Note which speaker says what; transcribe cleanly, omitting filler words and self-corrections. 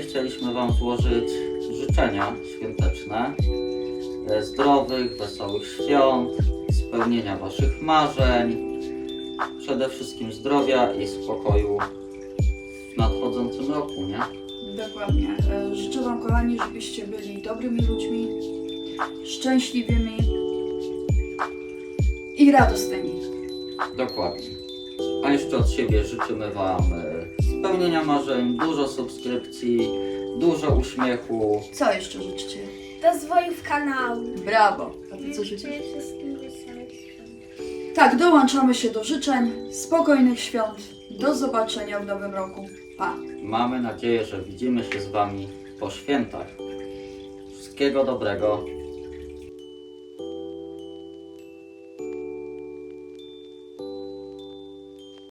Speaker 1: chcieliśmy Wam złożyć życzenia świąteczne, zdrowych, wesołych świąt, spełnienia Waszych marzeń, przede wszystkim zdrowia i spokoju w nadchodzącym roku, nie?
Speaker 2: Dokładnie. Życzę Wam, kochani, żebyście byli dobrymi ludźmi, szczęśliwymi i radosnymi.
Speaker 1: Dokładnie. A jeszcze od siebie życzymy Wam spełnienia marzeń, dużo subskrypcji, dużo uśmiechu.
Speaker 2: Co jeszcze życzycie?
Speaker 3: Rozwojów kanału.
Speaker 2: Brawo. A Ty co życzysz?
Speaker 3: Życzę wszystkim wesołych świąt.
Speaker 2: Tak, dołączamy się do życzeń. Spokojnych świąt. Do zobaczenia w nowym roku. Pa!
Speaker 1: Mamy nadzieję, że widzimy się z Wami po świętach. Wszystkiego dobrego.